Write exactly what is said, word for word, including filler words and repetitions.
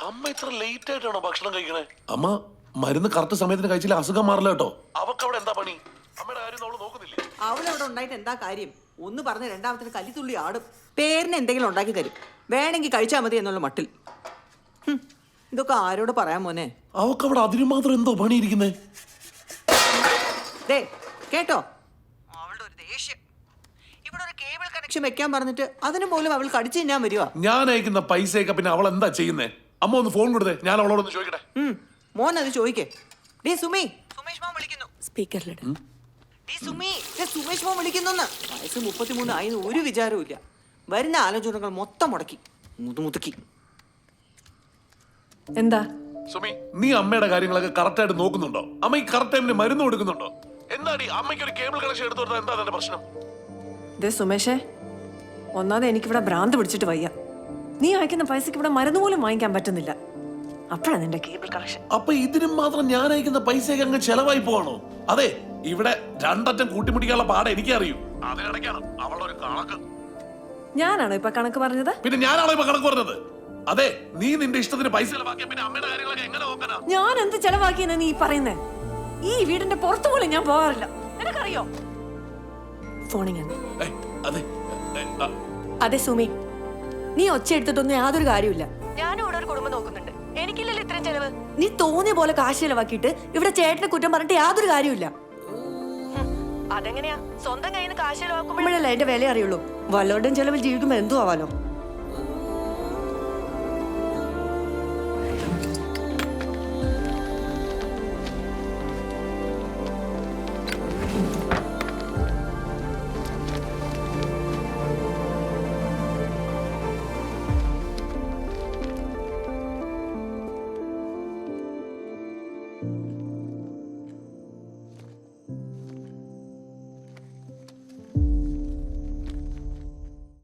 അമ്മ ഇത്ര ലേറ്റ് ആയിട്ടാണോ ഭക്ഷണം കഴിക്കണേ? അമ്മ മരുന്ന് കറക്റ്റ് സമയത്തിന് കഴിച്ചില്ല അസുഖം മാറില്ല കേട്ടോ. അവക്ക് അവിടെ എന്താ പണി? അമ്മയുടെ കാര്യം അവള് നോക്കുന്നില്ലേ? അവളവിടെ ഉണ്ടായിട്ട് എന്താ കാര്യം? ഒന്ന് പറഞ്ഞ് രണ്ടാമത്തിന് കല്ലിത്തുള്ളി ആടും. പേരിന് എന്തെങ്കിലും ഉണ്ടാക്കി തരും, വേണമെങ്കിൽ കഴിച്ചാൽ മതി എന്നുള്ള മട്ടിൽ. ഇതൊക്കെ ആരോട് പറയാൻ മോനെ? അവക്ക് അവിടെ അതിനു മാത്രം എന്തോ പണിയിരിക്കുന്നേ? ദേ കേട്ടോ, അവളുടെ ഒരു ദേഷ്യം. ഇവിടെ ഒരു കേബിൾ കണക്ഷൻ വെക്കാൻ പറഞ്ഞിട്ട് അതിന് പോലും അവൾ കടിച്ചു തിന്നാൻ വരുവാ. ഞാൻ അയക്കുന്ന പൈസയൊക്കെ പിന്നെ അവൾ എന്താ ചെയ്യുന്നേ? അമ്മ ഒന്ന് ഫോൺ കൊടുത്തേ, ഞാൻ അവളോടൊന്ന് ചോദിക്കട്ടെ. മോൻ അത് ചോദിക്കേ. ഡേ സുമി, സുമേഷ് മോൻ വിളിക്കുന്നു. സ്പീക്കറിലിട്. ഡേ സുമി, ദേ സുമേഷ് മോൻ വിളിക്കുന്നു. വയസ്സ് മുപ്പത്തിമൂന്ന് ആയി ഒരു വിചാരവും ഇല്ല. വരുന്ന ആലോചനകൾ മൊത്തം മുടക്കി മുതുമുതുക്കി. എന്താ സുമി, നീ അമ്മയുടെ കാര്യങ്ങളൊക്കെ കറക്റ്റ് ആയിട്ട് നോക്കുന്നുണ്ടോ? അമ്മ ഈ കറക്റ്റ് ടൈമിന് മരുന്ന് കൊടുക്കുന്നുണ്ടോ? എന്താടി അമ്മയ്ക്ക് ഒരു കേബിൾ കണക്ഷൻ എടുത്തു കൊടുത്താൽ എന്താ അതിന്റെ പ്രശ്നം? ദേ സുമേഷേ, ഒന്നാമത് എനിക്കിവിടെ ഭ്രാന്ത് പിടിച്ചിട്ട് വയ്യ. നീ അയക്കുന്ന പൈസക്ക് ഇവിടെ മരുന്ന് പോലും വാങ്ങിക്കാൻ പറ്റുന്നില്ല. അപ്പോഴാണ് നിന്റെ കേബിൾ കണക്ഷൻ. അപ്പൊ ഇതിനും മാത്രം ഞാൻ അയക്കുന്ന പൈസയൊക്കെ അങ്ങ് ചെലവായി പോവാണോ? അതെ, ഇവിടെ രണ്ടറ്റം കൂട്ടിമുട്ടിക്കാനുള്ള പാടെ എനിക്കറിയൂ. അതിനിടയ്ക്കാണ് അവളുടെ ഒരു കണക്ക്. ഞാനാണോ ഇപ്പൊ കണക്ക് പറഞ്ഞത്? പിന്നെ ഞാനാണോ ഇപ്പൊ കണക്ക് പറഞ്ഞത്? അതെ, നീ നിന്റെ ഇഷ്ടത്തിന് പൈസ ചെലവാക്കിയ പിന്നെ അമ്മയുടെ കാര്യങ്ങളൊക്കെ എങ്ങനെ നോക്കാനാ? ഞാൻ എന്ത് ചെലവാക്കിയെന്ന് നീ പറയുന്നേ? ഈ വീടിന്റെ പുറത്തു പോലും ഞാൻ പോകാറില്ല, നിനക്കറിയോ? ഫോണിങ് അതെ അതെ സുമി, നീ ഒച്ച എടുത്തിട്ടൊന്നും യാതൊരു കാര്യമില്ല. ഞാനും ഇവിടെ ഒരു കുടുംബം നോക്കുന്നുണ്ട്, എനിക്കില്ലല്ലോ ഇത്രയും ചെലവ്. നീ തോന്നിയ പോലെ കാശ് ചെലവാക്കിയിട്ട് ഇവിടെ ചേട്ടനെ കുറ്റം പറഞ്ഞിട്ട് യാതൊരു കാര്യമില്ല. അതെങ്ങനെയാ? സ്വന്തം കയ്യിൽ നിന്ന് കാശ് ചെലവാക്കുമ്പോഴല്ലേ എന്റെ വില അറിയുള്ളൂ. വല്ലവരുടെയും ചെലവിൽ ജീവിക്കുമ്പോ എന്തോ ആവാലോ.